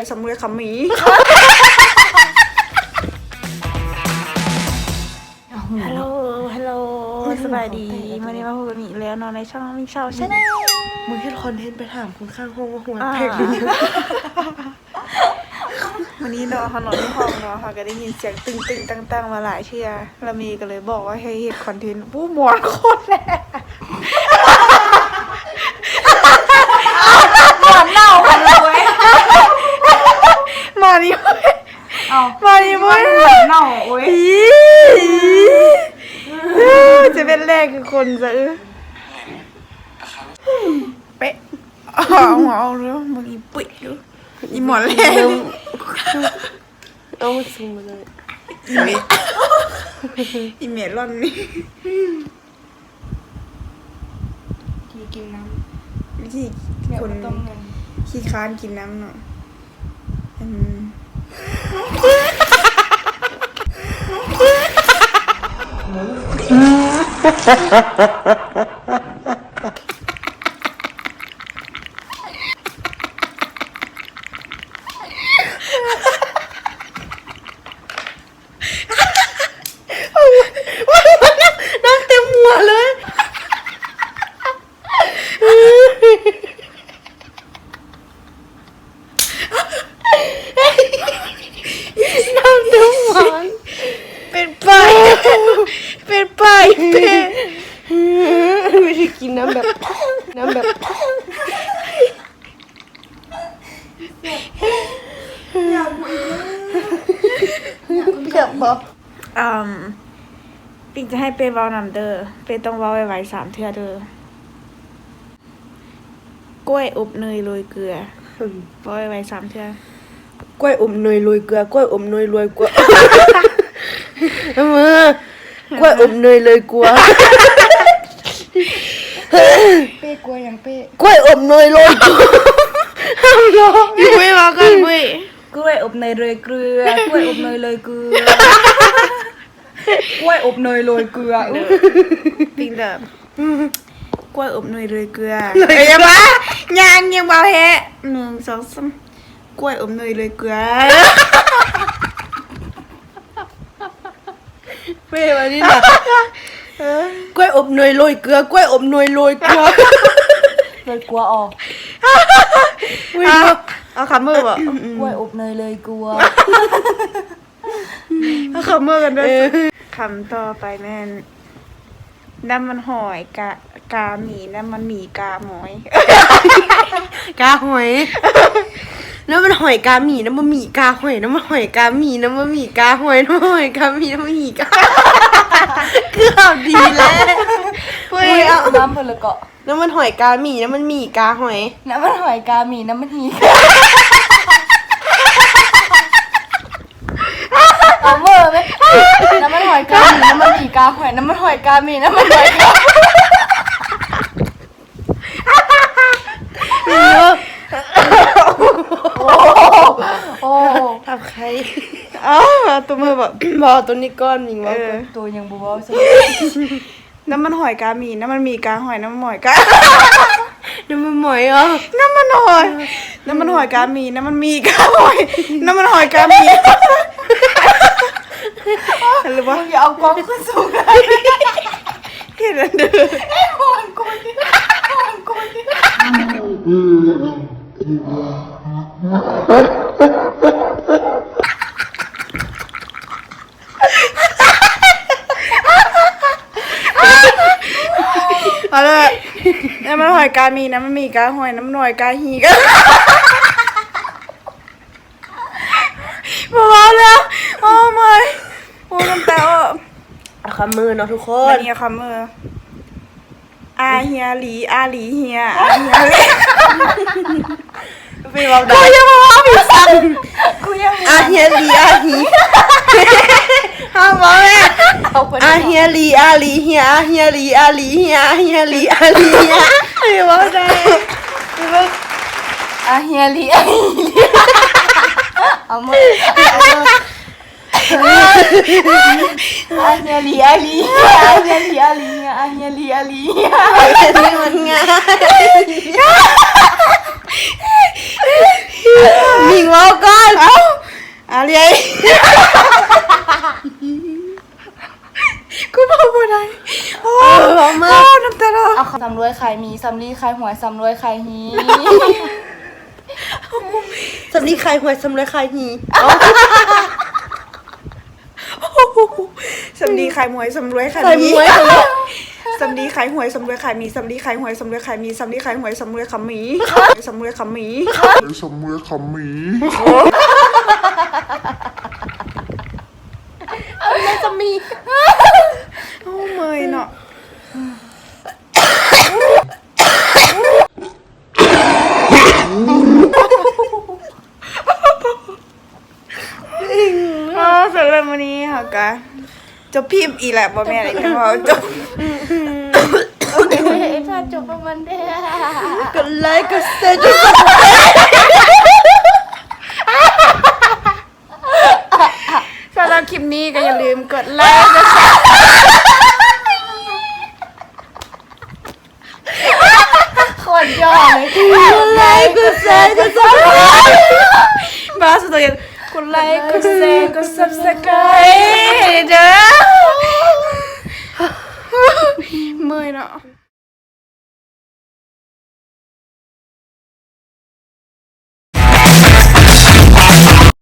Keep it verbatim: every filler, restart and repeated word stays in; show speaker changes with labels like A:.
A: สำเร็จคำมีฮัลโหลฮัลโหลสบายดีวันนี้มาพูดกับมีแล้วนอนในช่องมิงเช้าใช่ไหม
B: มึงแค่คอนเทนต์ไปถามคนข้างห้องว่าหัวแตกหรือยัง
A: วันนี้เนาะเขานอนที่ห้องเนาะเขาก็ได้ยินเสียงตึงตึงตั้งตั้งมาหลายเที่ยแล้วมีก็เลยบอกว่าให้เฮ็ดคอนเทนต์ผู้หมวนโคตรแรงหมวนเน่ากันเลยมานี่เอามานี่เว้ยหมวนเน่าโอ้ยจะเป็นแรกคือคนจะเออเป๊ะเอาหัวเอาเรื่องมึงอีปิ๊กดูอีหมอนแรง
B: เอามาซูมมาเลย
A: อีเมลอีเมลล่อนนี่ที่กินน้ำวิธีคนขี้ค้านกินน้ำเนาะอืม
B: น้ำเต็มหัวเลยน้ำเต็มหัว
A: เป็นป้ายเป็นป้ายเป็น
B: ไม่ได้กินน้ำแบบน้ำแบบอยากกูอีกอยากบอก
A: อืมปิงจะให้เป้เว้านำเด้อเป้ต้องเว้าไวๆสามเทื่อเด้อกล้วยอบเนยโรยเกลือเว้าไวๆสามเทื่
B: อกล้วยอมเนยโรยเกลือกล้วยอมเนยโรยเกลือมือกล้วยอมเนยเลยกลัว
A: เป้กล้วยยังเป้
B: กล้วยอมเนยโรยเกลือห้ามร้อง
A: อยู่ไม่มากันเว้ย
B: กล้วยอบเนยโรยเกลือกล้วยอบเนยโรยเกลือกล้วยอบเนยโรยเกลือ
A: ปิงแบบกล้วยอบเนยโรยเกลือเฮ้ยยังวะยังยังเบาแฮะหนึ่งสองสามกล้วยอบเนยโรยเกลือ
B: เป้มานี่นะกล้วยอบเนยโรยเกลือกล้วยอบเนยโรยเกลือเลยกลัวออก
A: เอาคำมือบ่
B: กล้วยอบเนยเลยกลัว
A: เอาคำมือกันด้วยคำต่อไปแม่นน้ำมันหอยกากาหมีน้ำมันหมีกาหมอย
B: กาหอยน้ำมันหอยกาหมีน้ำมันหมีกาหอยน้ำมันหอยกาหมีน้ำมันหมีกาหอยน้ำมันหอยกาหมีน้ำมันหมีกาเกือบดีแล้วเว้ยเอาน้ำมันละเกาะน้ำมันหอยกาหมีน้ำมันหมีกาหอยน้ำมันหอยกาหมีน้ำมันหมีเอาเมื่อไหมน้ำมันหอยกาหมีน้ำมันหมีกาหอยน้ำมันหอยกาหมีน้ำมันหอยกาโอ้ทำใคร
A: อ๋อตัวมือแบบ
B: บอตัวนี้ก้อนยิงว่าตัวยังบูบอส
A: น้ำมันหอยกาหมีน้ำมันหมีกาหอยน้ำมันหอยกา
B: น้ำมันหอยเหรอ
A: น้ำมันหอยน้ำมันหอยกาหมีน้ำมันหมีกาหอยน้ำมันหอยกาหมีหรือว่า
B: อย่าเอากล้องขึ้นสูงเลย
A: เห็นแล้วเด้อ
B: ไอ้หอนกูดิหอนกูดิ
A: เอาเลยน้ำมันหอยกามีน้ำมันมีกาหอยน้ำมันหอยกาหีกพอแล้วโอ้ไม่โอ้น้ำตา
B: เอาคำมือเนาะทุกค
A: นนี่คำมืออาเฮียหลีอาหลีเฮียอาเฮียหลี
B: ไปบอกได้
A: กูยังมาว่าพี่สันกูยัง
B: อาเฮียหลีอาหี
A: ห้ามบอกแม่
B: อาเฮียหลีอาหลีเฮียอาเฮียหลีอาหลีเฮียอาเฮียหลีอาหลีเฮีย
A: ไม่บอกได้
B: อาเฮียหลีอาหลีเอามืออาเฮียหลีอาหลีอาเฮียหลีอาหลีอาเฮียหลีอาหลีนี่มันง่ายมิงว่าก็
C: สำรวยขายหมีสำลีขายหวยสำรวยขายฮี
B: สำลีขายหวยสำรวยขายหี
A: สำลีขายหวยสำรวยขาย
B: ขาย
A: มี
B: หวย
A: สำลีขายหวยสำรวยขายมีสำลีขายหวยสำรวยขายมีสำลีขายหวยสำรวยขายมีสำรวยขายมี
D: Somewhere come me.
C: ไม่จะมี
A: โอ้เมยเนาะอ๋อสำหรับวันนี้ค่ะกะจะพิมพ์อีแหละบ่แม่อะไรกันว่าจบ
C: เฮ้ยถ้าจบประมาณเด้อก
B: ดไลค์กดแชร์
A: สำหรับคลิปนี้ก็อย่าลืมกดไลค์กดแชร์
C: โคตรยอดเลย
B: กดไลค์กดแชร์กดซับสไครบ์
A: มาสุดเลยกดไลค์กดแชร์กด subscribe เด้อเมื่อยเนาะ